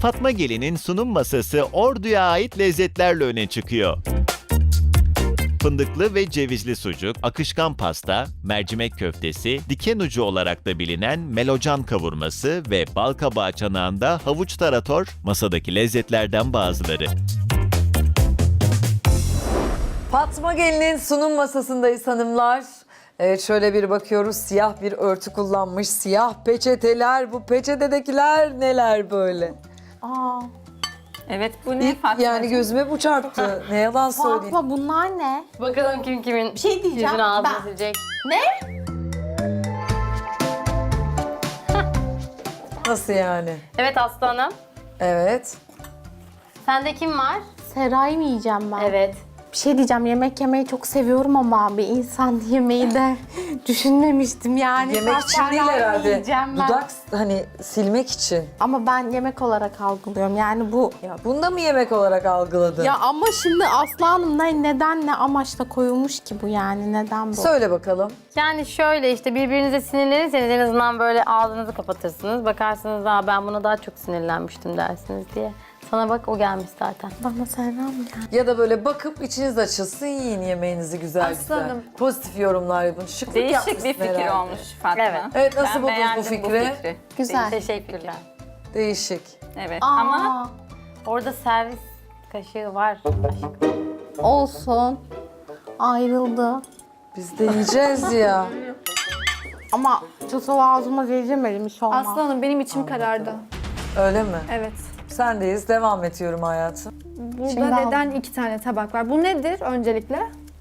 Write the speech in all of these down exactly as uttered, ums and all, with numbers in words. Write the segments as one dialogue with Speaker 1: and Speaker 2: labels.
Speaker 1: Fatma Gelin'in sunum masası Ordu'ya ait lezzetlerle öne çıkıyor. Fındıklı ve cevizli sucuk, akışkan pasta, mercimek köftesi, diken ucu olarak da bilinen melocan kavurması ve balkabağı çanağında havuç tarator masadaki lezzetlerden bazıları.
Speaker 2: Fatma Gelin'in sunum masasındayız hanımlar. Evet, şöyle bir bakıyoruz, siyah bir örtü kullanmış, siyah peçeteler, bu peçetedekiler neler böyle?
Speaker 3: Aa,
Speaker 4: Evet bu ne
Speaker 2: İlk
Speaker 4: Fatma?
Speaker 2: yani gözüme bu çarptı, ne yalan söyleyeyim.
Speaker 3: Fatma bunlar ne?
Speaker 5: Bakalım kim kimin
Speaker 3: Bir şey diyeceğim.
Speaker 5: yüzünü ağzına
Speaker 3: Ben-
Speaker 5: silecek.
Speaker 3: Ne?
Speaker 2: Nasıl yani?
Speaker 5: Evet Aslı Hanım.
Speaker 2: Evet.
Speaker 5: Sende kim var?
Speaker 3: Seray mı yiyeceğim ben?
Speaker 5: Evet.
Speaker 3: Bir şey diyeceğim, yemek yemeyi çok seviyorum ama bir insan yemeği de düşünmemiştim yani.
Speaker 2: Yemek
Speaker 3: Ben
Speaker 2: için değil
Speaker 3: Seray'ı
Speaker 2: herhalde.
Speaker 3: yiyeceğim ben.
Speaker 2: Dudak hani silmek için.
Speaker 3: Ama ben yemek olarak algılıyorum yani bu.
Speaker 2: Ya bunu da mı yemek olarak algıladın?
Speaker 3: Ya ama şimdi Aslı Hanım ne, neden ne amaçla koyulmuş ki bu yani, neden bu?
Speaker 2: Söyle bakalım.
Speaker 5: Yani şöyle işte birbirinize sinirlenirseniz en azından böyle ağzınızı kapatırsınız. Bakarsınız daha ben buna daha çok sinirlenmiştim dersiniz diye. Sana bak o gelmiş zaten.
Speaker 3: Bana Serra mı geldi?
Speaker 2: Ya da böyle bakıp içiniz açılsın, yiyin yemeğinizi güzel güzel.
Speaker 4: Aslanım.
Speaker 2: Pozitif yorumlar yapın. Şıklık
Speaker 4: Değişik
Speaker 2: yapmışsın
Speaker 4: bir fikir
Speaker 2: herhalde.
Speaker 4: olmuş Fatma.
Speaker 5: Evet.
Speaker 2: Evet, nasıl
Speaker 4: Ben
Speaker 2: buldunuz bu
Speaker 4: beğendim
Speaker 2: fikri?
Speaker 3: Güzel.
Speaker 5: Teşekkürler.
Speaker 2: Değişik.
Speaker 4: Evet
Speaker 3: Aa,
Speaker 4: ama
Speaker 5: Orada servis kaşığı var. Aşkım.
Speaker 3: olsun. Ayrıldı.
Speaker 2: Biz de yiyeceğiz ya.
Speaker 3: Ama çatal ağzıma değdirmedim, hiç olmaz.
Speaker 6: Aslanım benim içim karardı.
Speaker 2: Öyle mi?
Speaker 6: Evet.
Speaker 2: Sendeyiz. Devam ediyorum hayatım.
Speaker 6: Burada
Speaker 3: Şimdi
Speaker 6: neden iki tane tabak var? Bu nedir öncelikle?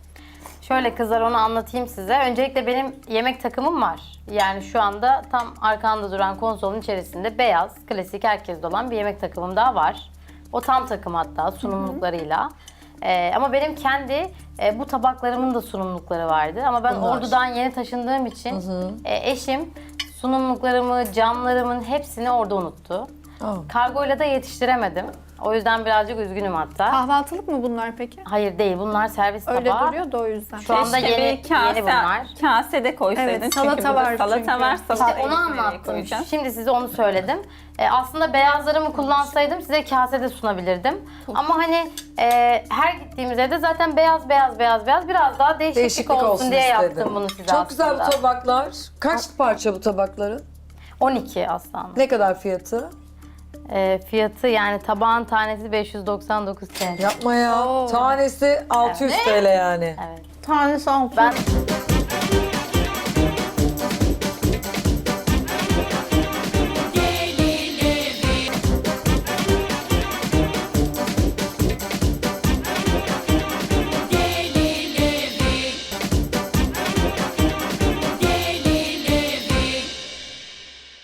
Speaker 5: Şöyle kızlar onu anlatayım size. Öncelikle benim yemek takımım var. Yani şu anda tam arkanda duran konsolun içerisinde beyaz, klasik herkeste olan bir yemek takımım daha var. O tam takım hatta sunumluklarıyla. Ee, ama benim kendi e, bu tabaklarımın da sunumlukları vardı. Ama ben
Speaker 2: Bunlar.
Speaker 5: Ordu'dan yeni taşındığım için e, eşim sunumluklarımı, camlarımın hepsini orada unuttu.
Speaker 2: Oh.
Speaker 5: Kargoyla da yetiştiremedim. O yüzden birazcık üzgünüm hatta.
Speaker 6: Kahvaltılık mı bunlar peki?
Speaker 5: Hayır değil, bunlar servis
Speaker 6: Öyle
Speaker 5: tabağı.
Speaker 6: duruyor da o yüzden.
Speaker 5: Şu anda
Speaker 4: keşke
Speaker 5: yeni,
Speaker 4: bir kase,
Speaker 5: yeni bunlar.
Speaker 4: kase de koysaydın.
Speaker 6: Evet,
Speaker 4: çünkü
Speaker 6: salata
Speaker 4: burada
Speaker 6: var
Speaker 4: salata
Speaker 6: çünkü.
Speaker 4: var.
Speaker 5: İşte
Speaker 4: Salatayı
Speaker 5: onu
Speaker 4: nereye
Speaker 5: anlattım.
Speaker 4: koyacağız?
Speaker 5: Şimdi size onu söyledim. Ee, aslında beyazlarımı kullansaydım size kasede sunabilirdim. Ama hani e, her gittiğimiz evde zaten beyaz beyaz beyaz beyaz biraz daha değişiklik,
Speaker 2: Değişiklik
Speaker 5: olsun, diye
Speaker 2: istedim.
Speaker 5: yaptım bunu size
Speaker 2: Çok
Speaker 5: aslında.
Speaker 2: güzel bu tabaklar. Kaç parça bu tabakların?
Speaker 5: on iki aslında.
Speaker 2: Ne kadar fiyatı?
Speaker 5: Ee, fiyatı yani tabağın tanesi beş yüz doksan dokuz T L.
Speaker 2: Yapma ya. Tanesi altı yüz T L yani.
Speaker 5: Evet.
Speaker 3: Tanesi altı.
Speaker 5: Ben